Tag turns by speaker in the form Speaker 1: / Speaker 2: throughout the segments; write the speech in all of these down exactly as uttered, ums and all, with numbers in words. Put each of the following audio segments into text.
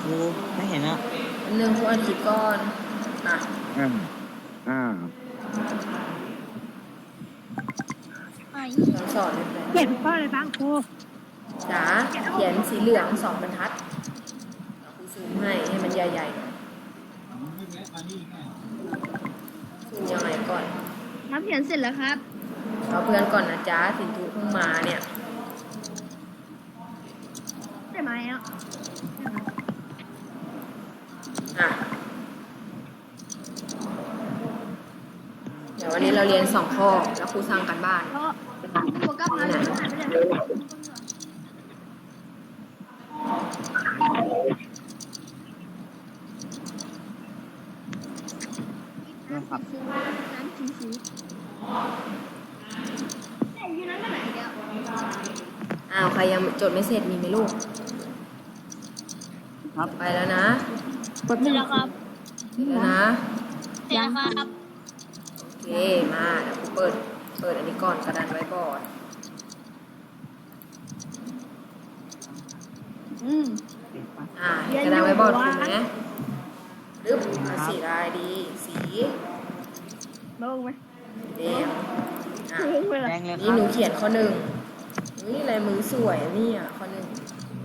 Speaker 1: ครูไม่เห็นอ่ะ
Speaker 2: หนึ่งครูอัดคลิปก่อนอ่ะ
Speaker 3: อ่าอ่า
Speaker 2: สอนสอนเลย
Speaker 4: เขียนข้ออะไรบ้างครู
Speaker 2: จ๋าเขียนสีเหลืองสองบรรทัดครูซูมให้ให้มันใหญ่ๆซูมยังไงก่อน
Speaker 4: ครับเขียนเสร็จแล้วครับ
Speaker 2: เอาเพื่อนก่อนนะจ๊ะสินทุเพิ่งมาเนี่ย
Speaker 4: ได้ไหมอ่ะ
Speaker 2: อ่ะเดี๋ยววันนี้เราเรียนสองข้อแล้วครูสั่งกันบ้าน
Speaker 4: เพราะโฟกัสมาเลยหายไปเลย
Speaker 1: นะครับ
Speaker 4: น้ำสีสีแต่อยู่นั้นก็ไหนเดียว
Speaker 2: อ้าวใครยังจดไม่เสร็จมีไหมลูก
Speaker 1: ครับ
Speaker 2: ไปแล้วนะ
Speaker 4: กดไม่แล้วครับ
Speaker 2: เสร็จแล้วนะ
Speaker 4: เสร็จแล้วครับ
Speaker 2: โอเคมาเดี๋ยวครูเปิดเปิดอันนี้ก่อนกระดานไว้บอร์ด
Speaker 4: อืม
Speaker 2: อ่าเห็นกระดานไว้บอร์ดถูกไหมรึบสีลายดีสี
Speaker 4: ลงไหม
Speaker 2: แดงอ่ะ
Speaker 1: แดงเลยค
Speaker 2: นี่
Speaker 1: รับ
Speaker 2: หนูเขียนข้อหนึ่งนี่ลายมือสวยอ่ะนี่อ่ะข้อหนึ่ง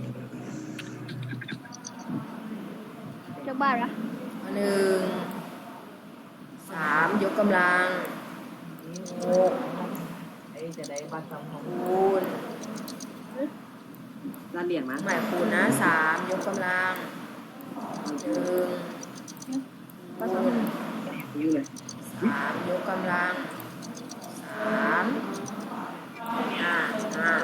Speaker 4: จากบ้านละ
Speaker 2: ข้อหนึ่งสามยกกำลังหกจะได้บัตรสองคูณ
Speaker 1: ด้านเหรียญนะ
Speaker 2: หมายคูณนะสามยกกำลังหนึ่งคูณ
Speaker 1: ยูเลย
Speaker 2: สามยกกำลังสามอ่าอ่า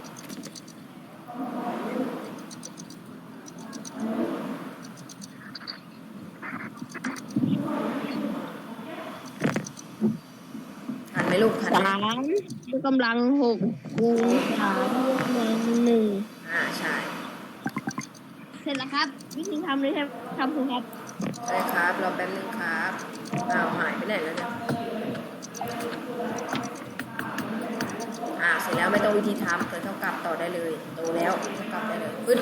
Speaker 2: ทันไหมลูกทันไหม
Speaker 4: สามยกกำลังหกคูณสามยกกำลังหนึ่ง
Speaker 2: อ่าใช่
Speaker 4: เสร็จแล้วครับวิธีทำเลยครับทำถูกครับ
Speaker 2: ใช่ครับรอแป๊บนึงครับอ้าวหายไปไหนแล้วเนี่ยอ่าเสร็จแล้วไม่ต้องวิธีทำเคยเท่ากับต่อได้เลยโตแล้วเท่ากับได้เลยปึ๊ด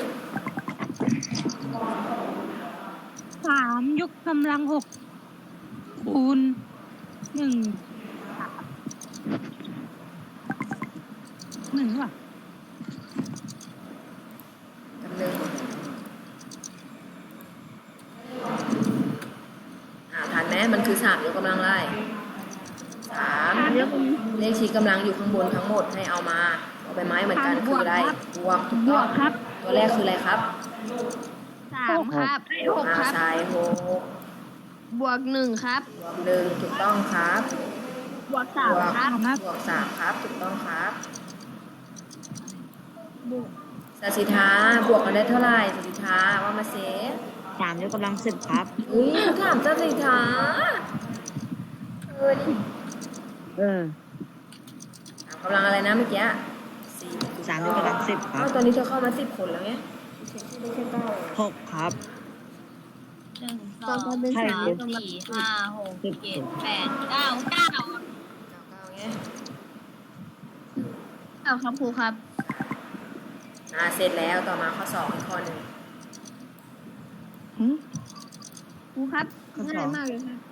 Speaker 5: สามยกกำลังหกคูณหนึ่งหนึ่งว่ะ
Speaker 2: จำหนึ่งอ่าทันไหมมันคือสามยกกำลังไล่สามเลขชี้กำลังอยู่ข้างบนทั้งหมดให้เอามาเอาไปไม้เหมือนกันคืออะไรบวกถูก
Speaker 4: บ
Speaker 2: ต้
Speaker 4: ว
Speaker 2: อง
Speaker 4: กครับ
Speaker 2: ตัวแรกคืออะไรครับ
Speaker 4: สามครับหก
Speaker 2: อ่า
Speaker 4: ครับ
Speaker 2: สายหก
Speaker 4: บวกหนึ่งครับ
Speaker 2: บวกหนึ่งถูกต้องครับ
Speaker 4: บวกสามครับ
Speaker 2: บวกสามครับถูกต้องครับ
Speaker 4: บวก
Speaker 2: สัสิธาบวกกันได้เท่าไหร่สัสิธาว่ามาเซฟ
Speaker 1: สามยกกำลังสิบครับ
Speaker 2: อุ้ยถามสัสิธาเออดิ
Speaker 1: เออ
Speaker 2: ถามกำลังอะไรนะเมื่อกี้สี่
Speaker 1: สามยกกำลังสิบครั
Speaker 2: อ้า
Speaker 1: บ
Speaker 2: วตอนนี้เธอเข้ามาสิบคนแล้วไงไม่ใช่เก้า
Speaker 1: หกครับ
Speaker 6: หนึ่งสองสามสี่ห้าหกเจ็ดแปดเก้าเก้า
Speaker 2: เก้าเก้าไง
Speaker 4: เอาครับครูครับ
Speaker 2: อ่าเสร็จแล้วต่อมาข้อสองอีกข้อหนึ่ง
Speaker 4: ครูครับง่ายมากเลยครับ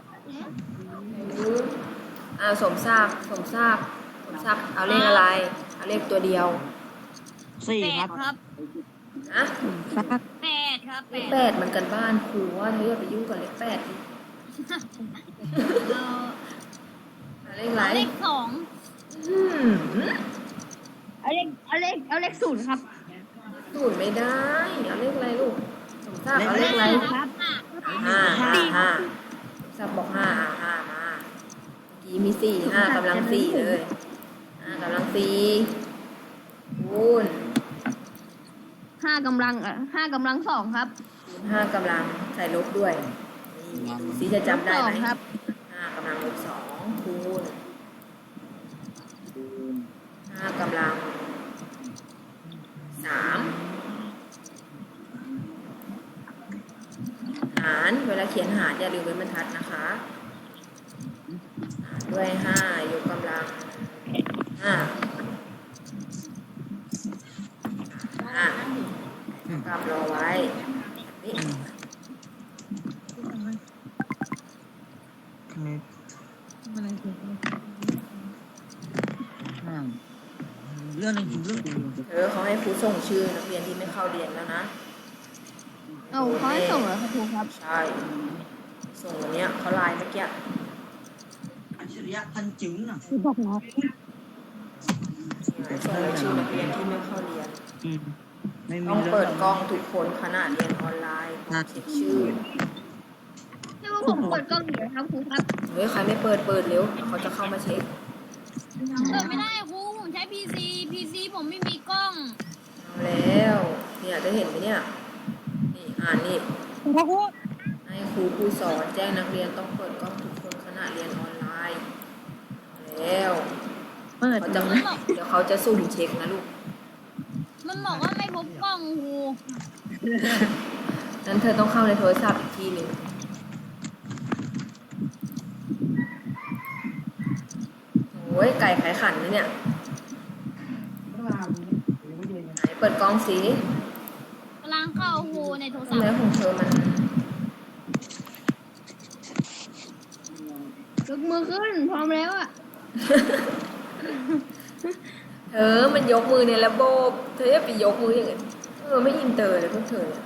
Speaker 2: อ่าสมทราบสมทราบสมทราบเอาเลขอะไรเอาเลขตัวเดียว
Speaker 1: สี่
Speaker 6: แป
Speaker 1: ครั
Speaker 6: ด
Speaker 1: บ
Speaker 6: ครับ
Speaker 2: นะ
Speaker 6: แปดครับแป
Speaker 2: เลข
Speaker 6: ด
Speaker 2: แปดมันกันบ้านครูว่าเธออย่าไปยุ่งกับเลขแปดดิ
Speaker 6: เอา
Speaker 2: เอาเลขอะไร
Speaker 6: เลขสอง
Speaker 2: อืม
Speaker 4: เอาเลขเอาเลขเอาเลขศูนย์ครับ
Speaker 2: สูตรไม่ได้เอาเลขอะไรลูกสมทราบเอาเลขอะไร
Speaker 4: ครับ
Speaker 2: ห้าห้าห้าสมทราบบอกห้าอ่าห้ามาเมื่อกี้มีสี่ห้ากำลังสี่เลยห้ากำลังสี่คูณ
Speaker 4: ห้ากำลังอ่ะห้ากำลังสองครับ
Speaker 2: คูณห้ากำลังใส่ลบด้วยนี่ดูสิจะจำได้
Speaker 4: สอ
Speaker 2: ไห
Speaker 4: ง
Speaker 2: ม
Speaker 4: ครับ
Speaker 2: ห้ากำลังลบสองคูณห้ากำลังสามหารเวลาเขียนหารอย่าลืมเว้นบรรทัดนะคะหารด้วยห้ายกกำลังห้าห้ากำรอไว้นี่
Speaker 1: เรื่องหนึงเรื่องหนึง
Speaker 2: เออเขาให้ครูส่งชื่อนักเรียนที่ไม่เข้าเรียนแล้วนะ
Speaker 4: เอาเขาให้ส่งเหรอครับครูครับ
Speaker 2: ใช่ ส่งวันเนี้ยเขาไลน์เมื่อกี้
Speaker 1: อัจฉริยะทันจึงอ่ะ
Speaker 5: คือบอกน้อง
Speaker 2: ส่งรายชื่อนักเรียนที่ไม่เข้าเรียน
Speaker 1: อืมไม่มี
Speaker 2: ต้อง
Speaker 1: รื่อง
Speaker 2: เปิดกล้องทุกคนขณะเรียนออนไลน์เช็คชื่อ
Speaker 4: ให้ว่าผมเปิดกล้องอยู่ครับครูครับ
Speaker 2: เฮ้ยใครไม่เปิดเปิดเร็วเขาจะเข้ามาเช็ค
Speaker 6: เปิดไม่ได้ครูผมใช้พีซีพีซีผมไม่มีกล้อง
Speaker 2: เอาแล้วเนี่ยจะเห็นไหมเนี่ยนี่อ่านนี่
Speaker 5: พ่อครู
Speaker 2: ให้ครูผู้สอนแจ้งนักเรียนต้องเปิดกล้องทุกคนขณะเรียนออนไลน์เอาแล้ว
Speaker 1: เปิด
Speaker 2: เขาจะเดี๋ยวเขาจะสุ่มเช็คนะลูก
Speaker 6: มันบอกว่าไม่พบกล้องครู
Speaker 2: นั้นเธอต้องเข้าในโทรศัพท์อีกทีหนึ่งโอ้ยไก่ไขขันนะเนี่ยไหนเปิดกล้องสิ
Speaker 6: กำลังเข้าครูในโทรศั
Speaker 2: ทำ
Speaker 6: พ
Speaker 2: ไม
Speaker 6: ท์
Speaker 2: ของเธอมัน
Speaker 4: ยกมือขึ้นพร้อมแล้วอ่ะ
Speaker 2: เธอมันยกมือในระบบเธอจะไปยกมืออย่างอื่นเออไม่อินเตอร์เลยพวกเธอเนี่ย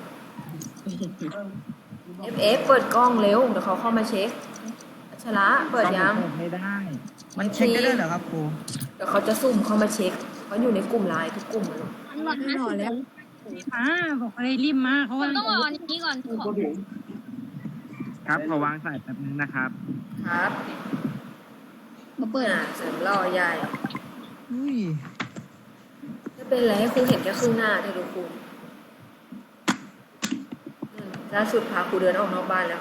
Speaker 2: เอฟ เอฟ เปิดกล้องเร็วเดี๋ยวเขาเข้ามาเช็คอัชระเปิดยัง
Speaker 1: เปิดไม่ได้ มันเช็คได้ด้วยเหรอครับครู
Speaker 2: เดี๋ยวเขาจะซุ่มเข้ามาเช็คเขาอยู่ในกลุ่มไลน์ทุกกลุ่มเลย
Speaker 4: มันหลับนะ
Speaker 5: รีบมาบอกอะไรรีบมาเขา
Speaker 6: ผม
Speaker 5: ว่า
Speaker 6: ต้องรออันนี้ก่อนขอ
Speaker 3: ครับขอวางสายแป๊บนึงนะครับ
Speaker 2: ครับ
Speaker 4: มาเปิด
Speaker 2: อ่าเสริมล่อใหญ่
Speaker 1: อุ้ย
Speaker 2: ไม่เป็นไรให้ครูเห็นแค่ครึ่งหน้าเธอดูครูอืมล่าสุดพาครูเดินออกนอกบ้านแล้ว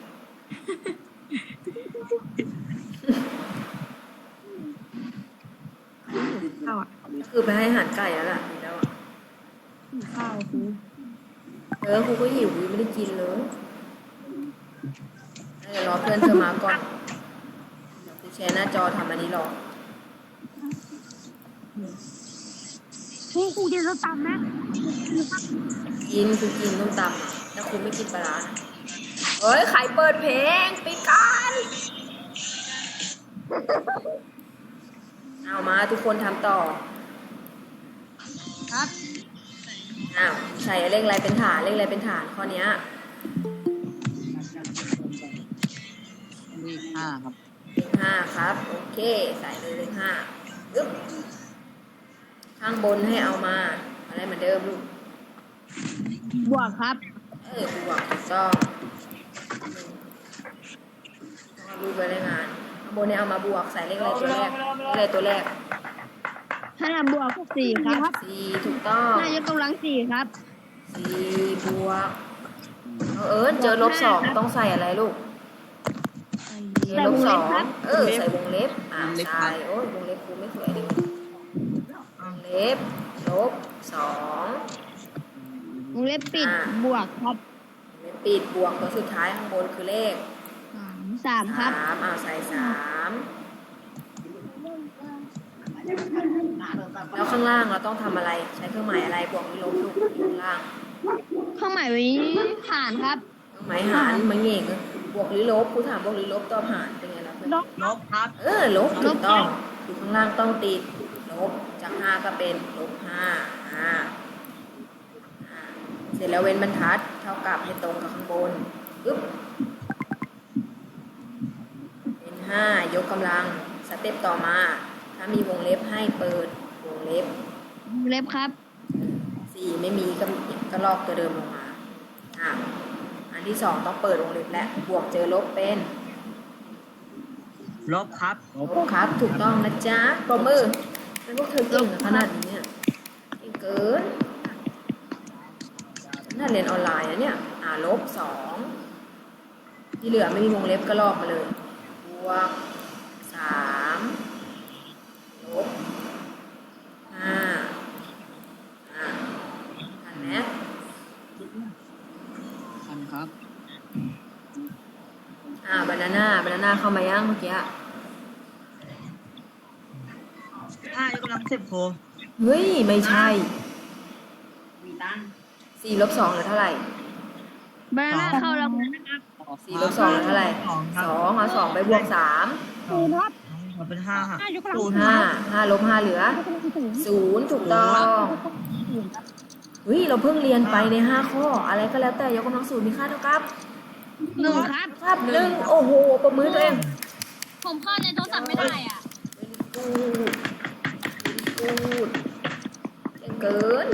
Speaker 5: ข้าวอ่ะ
Speaker 2: คือไปให้อาหารไก่แล้วล่ะดีแล้วอะ
Speaker 4: ข้าวครู
Speaker 2: เออครูก็หิวยังไม่ได้กินเลยเดี๋ยวรอเพื่อนเธอมาก่อนเดี๋ยวครูแชร์หน้าจอทำอันนี้รอ
Speaker 5: ครูครูจะตำนะ
Speaker 2: กินคือกินต้มตำแต่ครูไม่กินปลาร้านะเฮ้ยใครเปิดเพลงปิดกันเอามาทุกคนทำต่อ
Speaker 6: ครับ
Speaker 2: อ้าวใส่เลขอะไรเป็นฐานเลขอะไรเป็นฐานข้อเนี้ย
Speaker 1: เลขห้าครับ
Speaker 2: เลขห้าครับโอเคใส่เลยเลขห้าอึ๊บข้างบนให้เอามาอะไรเหมือนเดิมลูก
Speaker 4: บวกครับ
Speaker 2: เออครูบอกถูกต้องต้องเอารูปไว้ในงานข้างบนเนี่ยเอามาบวกใส่เลขอะไรตัวแรกเลขอะไรตัวแรก
Speaker 4: ห้าบวกสี่ครับ
Speaker 2: สี่ถูกต้อง
Speaker 4: ห้ายกกำลังสี่ครับ
Speaker 2: สี่บวกเอาเอิญเจอลบสองต้องใส่อะไรลูก
Speaker 4: ใส่
Speaker 2: ล
Speaker 4: ว
Speaker 2: บ
Speaker 4: ง
Speaker 2: ส
Speaker 4: เล็
Speaker 2: อบ ง
Speaker 4: ครับ
Speaker 2: เออใส่วงเล็บอ่าใช่โอ้ยวงเล็บครูไม่สวยเลยวงเล็บลบสอง
Speaker 4: วงเล็บปิดบวกครับ
Speaker 2: วงเล็บปิดบวกตัวสุดท้ายข้างบนคือเลข
Speaker 4: สามครับ
Speaker 2: สามอ่าใส่สามแล้วข้างล่างเราต้องทำอะไรใช้เครื่องหมายอะไรบวกหรือลบลูกอยู่ข้างล่าง
Speaker 4: เครื่องหมายไว้ผ่านครับ
Speaker 2: เครื่องหมายหารมันเง่งบวกหรือลบครูถามบวกหรือลบตอบหารเป็นไงล่ะเพื่อน
Speaker 1: ลบครับ
Speaker 2: เออลบถูกต้องอยู่ข้างล่างต้องติดลบจากห้าก็เป็นลบห้าอ่าอ่าเสร็จแล้วเว้นบรรทัดเท่ากับให้ตรงกับข้างบนปึ๊บเป็นห้ายกกำลังสเต็ปต่อมา ถ้ามีวงเล็บให้เปิดวงเล็บ
Speaker 4: วงเล็บครับ
Speaker 2: สี่ไม่มีก็ก็ลอกตัวเดิมลงมาอ่าอันที่สองต้องเปิดวงเล็บและบวกเจอลบเป็น
Speaker 1: ลบครับ
Speaker 2: ลบครับถูกต้องนะจ๊ะปรบมือเป็นพวกเธอเก่งขนาดนี้เนี่ยเก่งเกินน่าเรียนออนไลน์นะเนี่ยอ่าลบสองที่เหลือไม่มีวงเล็บก็ลอกมาเลยบวกสามลบห้าอ่าทันไหม
Speaker 1: ทันครับ
Speaker 2: อ่าบานาน่าบานาน่าเข้ามายังเมื่อกี้
Speaker 1: ห้ายกกำลังสิบครู
Speaker 2: เฮ้ยไม่ใช่
Speaker 1: มีตัง
Speaker 2: สี่ลบสองเหลือเท่าไหร่
Speaker 4: บานาน่าเข้าแล้วนะครับ
Speaker 2: สี่ลบสองเท่าไหร่
Speaker 1: สองค
Speaker 2: ส
Speaker 1: รับ
Speaker 2: องเอาสองไปบวกสาม
Speaker 5: ศูนย์ครับ
Speaker 1: ขอเป็นห้าครับ
Speaker 5: ห้ายกกำลัง
Speaker 1: ศูนย์
Speaker 2: ห้าห้าลบห้าเหลือ
Speaker 5: ยกกำลังศูนย์
Speaker 2: ศูนย์ถูกต้องเฮ้ยเราเพิ่งเรียนไปในห้าข้อ อะไรก็แล้วแต่ยกกำลังศูนย์มีค่าเท่ากับ
Speaker 4: หนึ่งครับ
Speaker 2: ครับหนึ่งโอ้โหประมือตัวเอง
Speaker 6: ผมเข้าในโทรศัพท์ไม่ได้อ่ะ
Speaker 2: กูดกูดเก่งเกิน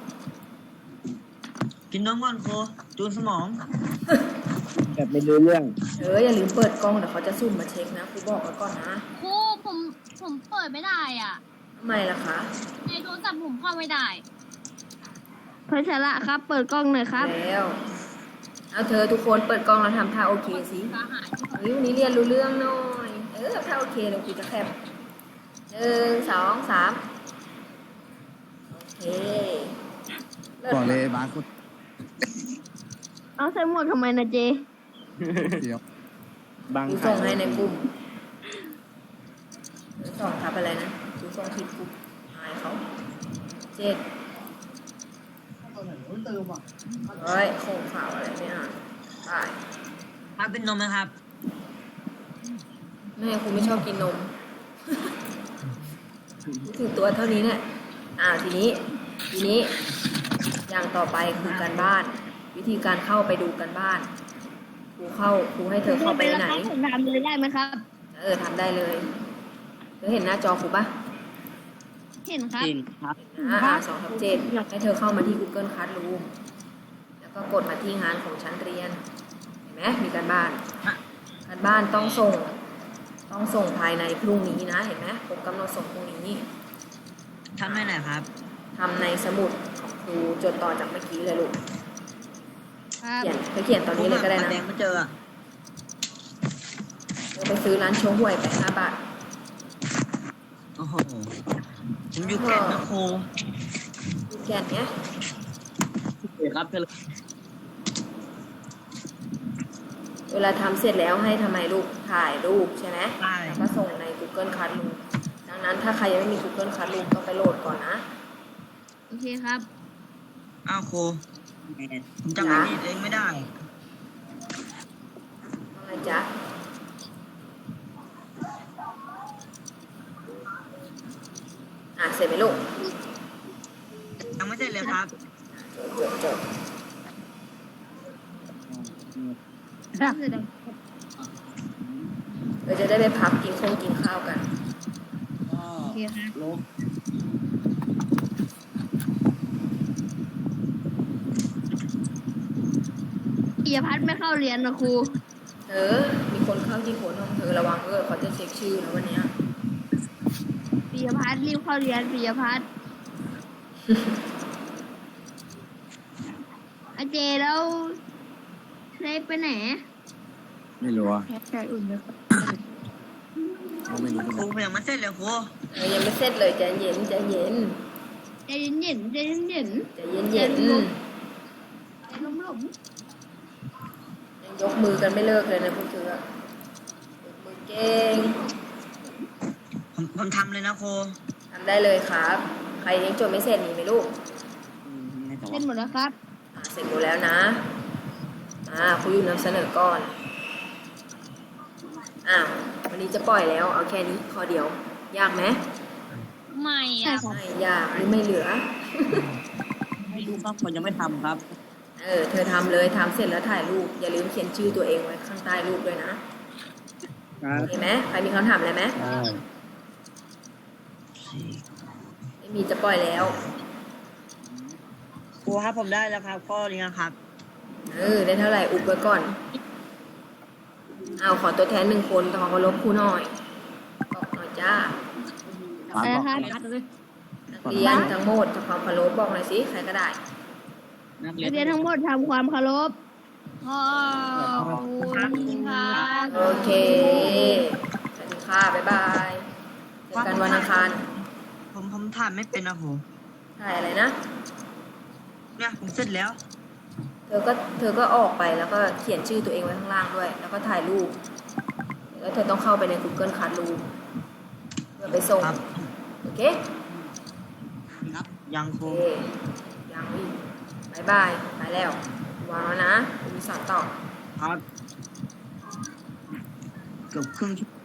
Speaker 1: กินน้ำก่อนโคจูนสมอง
Speaker 3: แบบไม่รู้เรื่อง
Speaker 2: เอออย่าลืมเปิดกล้องเดี๋ยวเขาจะซุ่มมาเช็คนะครูบอกไว้ก่อนนะ
Speaker 6: ครูผมผมเปิดไม่ได้อ่ะ
Speaker 2: ทำไมล่ะคะ
Speaker 6: ในโทรศัพท์ผมเข้าไม่ได้
Speaker 4: พัชระครับ เปิดกล้องหน่อยครับ
Speaker 2: แล้วเอาเธอทุกคนเปิดกล้องแล้วทำท่าโอเคสิ
Speaker 6: ก็หาย
Speaker 2: เฮ้ยวันนี้เรียนรู้เรื่องหน่อยเออท่าโอเคเดี๋ยวครูจะแคปหนึ่งสองสามโอเคเลิศ
Speaker 7: ก่อนเลยบาสคุด
Speaker 4: เอาใส่หมวกทำไมนะเจ
Speaker 7: เดียว
Speaker 3: บาง
Speaker 2: ครูส่งให้ในกลุ่มส่งทับอะไรนะครูส่งผิดกลุ่มอายเขาเจ็ดเฮ้ยโคงข่าวอะไรไม่อ่านตาย
Speaker 1: ครับเป็นนมนะครับ
Speaker 2: แม่ครูไม่ชอบกินนม ถึงตัวเท่านี้เนี่ย อ่าทีนี้ ทีนี้ อย่างต่อไปคือการบ้าน วิธีการเข้าไปดูการบ้าน ครูเข้า ครูให้เธอเข้าไปไหน
Speaker 4: ผมทำเลยได้ไหมครับ
Speaker 2: เออทำได้เลย เธอเห็นหน้าจอครูปะ
Speaker 4: เห็นครับ
Speaker 1: จริงครับ
Speaker 2: อ่าอ่าสองทับเจ็ดให้เธอเข้ามาที่ Google Classroom แล้วก็กดมาที่งานของชั้นเรียน เห็นไหมมีการบ้าน การบ้านต้องส่ง ต้องส่งภายในพรุ่งนี้นะ เห็นไหมครบกำหนดส่งพรุ่งนี้
Speaker 1: ทำได้ไหนครับ
Speaker 2: ทำในสมุดของครูจดต่อจากเมื่อกี้เลยลูก
Speaker 4: ครับ
Speaker 2: เขียนเธอเขียนตอนนี้เลยก็ได้
Speaker 1: ผมหา
Speaker 2: นะ
Speaker 1: แดงไม่เจออะ
Speaker 2: เธอไปซื้อร้านโชห่วยไปห้าบาท
Speaker 1: โอ้โหผมอยู่แก่นนะโค
Speaker 2: ดูแกนเนี้ย
Speaker 1: เดี๋ยวครับเธอ
Speaker 2: เวลาทำเสร็จแล้วให้ทำไมลูกถ่ายรูปใช่ไหม
Speaker 1: ได้
Speaker 2: แล้วก็ส่งใน Google Classroom ดังนั้นถ้าใครยังไม่มี Google Classroom ต้องไปโหลดก่อนนะ
Speaker 4: โอเคครับ
Speaker 1: อ้าวโคผมจำไอ้นี่เองไม่ได้
Speaker 2: ว่าไงจ๊ะ อ่ะ เสร็จไหมลูก
Speaker 1: ยังไม่เสร็จเลยครับ
Speaker 2: จดจดเราจะได้ไปพักกินข้าวกินข้าวกัน
Speaker 4: โอเคครับ
Speaker 1: ลบ
Speaker 4: ปิยพัฒน์ไม่เข้าเรียนนะครู
Speaker 2: เธอ มีคนเข้าที่โคนห้องเธอระวังเออเขาจะเช็คชื่อแล้ววันเนี้ย
Speaker 4: ปิยพัฒน์รีบเข้าเรียนปิยพัฒน์อาเจแล้วเล็กไปไหน
Speaker 7: ไม่รู้อ่ะ
Speaker 5: แค่อุ่นเลย
Speaker 7: เขาไม่รู้เหมือน
Speaker 1: โค
Speaker 7: กัน
Speaker 1: ผมยังไม่เสร็จเลยโค
Speaker 2: เออยังไม่เสร็จเลยใจเย็นใจเย็น
Speaker 4: ใจเย็นๆใจเย็น
Speaker 2: ใจเย็นเย็น
Speaker 4: ๆใจล้ม
Speaker 2: ยังยกมือกันไม่เลิกเลยนะพวกเธออะยกมือเก่ง
Speaker 1: ผมผมทำเลยนะโค
Speaker 2: ทำได้เลยครับ ใครยังจดไม่เสร็จมีไหมลูก
Speaker 4: ๆเล่นหมดแล้วครับ
Speaker 2: อ่ะเสร็จหมดแล้วนะ อ่าครูอยู่นำเสนอก่อน อ่าวันนี้จะปล่อยแล้ว เอาแค่นี้ข้อเดียว ยากไหม
Speaker 6: ไม่อ่ะ
Speaker 2: ไม่ยากหรือไม่เหลือ
Speaker 1: ไม่รู้ครับผมยังไม่ทำครับ
Speaker 2: เออ เธอทำเลยทำเสร็จแล้วถ่ายรูป อย่าลืมเขียนชื่อตัวเองไว้ข้างใต้รูปด้วยนะ
Speaker 3: ครับ
Speaker 2: เห็นไหมใครมีคำถามอะไรไหม
Speaker 3: ได้
Speaker 2: ไม่มีจะปล่อยแล้ว
Speaker 1: ครูครับผมได้แล้วครับข้อนี้นะครับ
Speaker 2: เออ ได้เท่าไหร่ อุบไว้ก่อน เอาขอตัวแทนหนึ่งคนขอเคารพครูหน่อย บอกหน่อยจ้า
Speaker 7: บาส
Speaker 4: อะไร
Speaker 7: บอก
Speaker 4: ครับ
Speaker 2: นักเรียนทั้งหมดทำความเคารพบอกหน่อยสิใครก็ได้
Speaker 1: นักเรี
Speaker 4: นั
Speaker 1: ย
Speaker 4: ก
Speaker 1: น
Speaker 4: เรียนทั้งหมดทำความเคารพ
Speaker 6: ขอบคุณค่ะ
Speaker 2: โอเคสวัสดีค่ะ บ๊ายบายเจอกันวันอังคาร
Speaker 1: ผมผมถ่ายไม่เป็นนะผม
Speaker 2: ถ่ายอะไรนะ
Speaker 1: เนี่ยผมเสร็จแล้ว
Speaker 2: เธอก็เธอก็ออกไปแล้วก็เขียนชื่อตัวเองไว้ข้างล่างด้วย แล้วก็ถ่ายรูป แล้วเธอต้องเข้าไปใน Google Classroom เพื่อไปส่ง
Speaker 1: ครับ
Speaker 2: โอเค
Speaker 1: ครับยังโค
Speaker 2: โอเคยังอีกบายบาย ไปแล้ว ไววางแล้วนะมีสอนต่อ
Speaker 1: ครับเกือบครึ่งชั่วโมง